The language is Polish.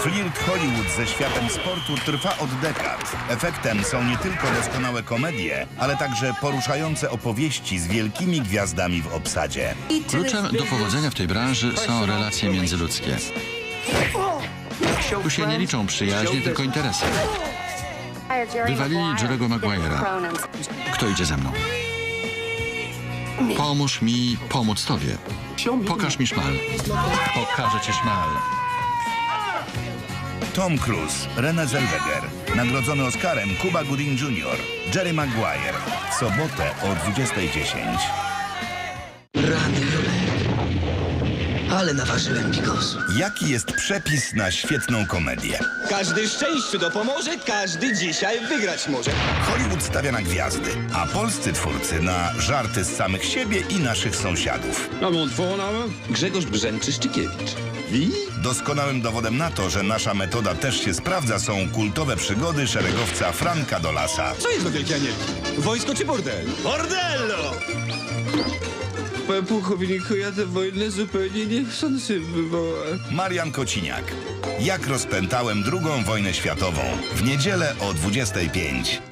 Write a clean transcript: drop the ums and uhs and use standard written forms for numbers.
Flirt Hollywood ze światem sportu trwa od dekad. Efektem są nie tylko doskonałe komedie, ale także poruszające opowieści z wielkimi gwiazdami w obsadzie. Kluczem do powodzenia w tej branży są relacje międzyludzkie. Tu się nie liczą przyjaźnie, tylko interesy. Wywalili Jerry'ego Maguire'a. Kto idzie ze mną? Pomóż mi pomóc tobie. Pokaż mi szmal. Pokażę ci szmal. Tom Cruise, Renée Zellweger, nagrodzony Oscarem Cuba Gooding Jr., Jerry Maguire. W sobotę o 20:10. Rany, ale naważyłem bigos. Jaki jest przepis na świetną komedię? Każdy szczęściu dopomoże, każdy dzisiaj wygrać może. Hollywood stawia na gwiazdy, a polscy twórcy na żarty z samych siebie i naszych sąsiadów. Grzegorz Brzęczyszczykiewicz. Doskonałym dowodem na to, że nasza metoda też się sprawdza, są kultowe przygody szeregowca Franka Dolasa. Co jest do Wielkiej Anielki? Wojsko czy bordel? Bordello! Panie pułkowniku, ja tę wojnę zupełnie niechcący wywołałem. Marian Kociniak. Jak rozpętałem II wojnę światową. W niedzielę o 20:05.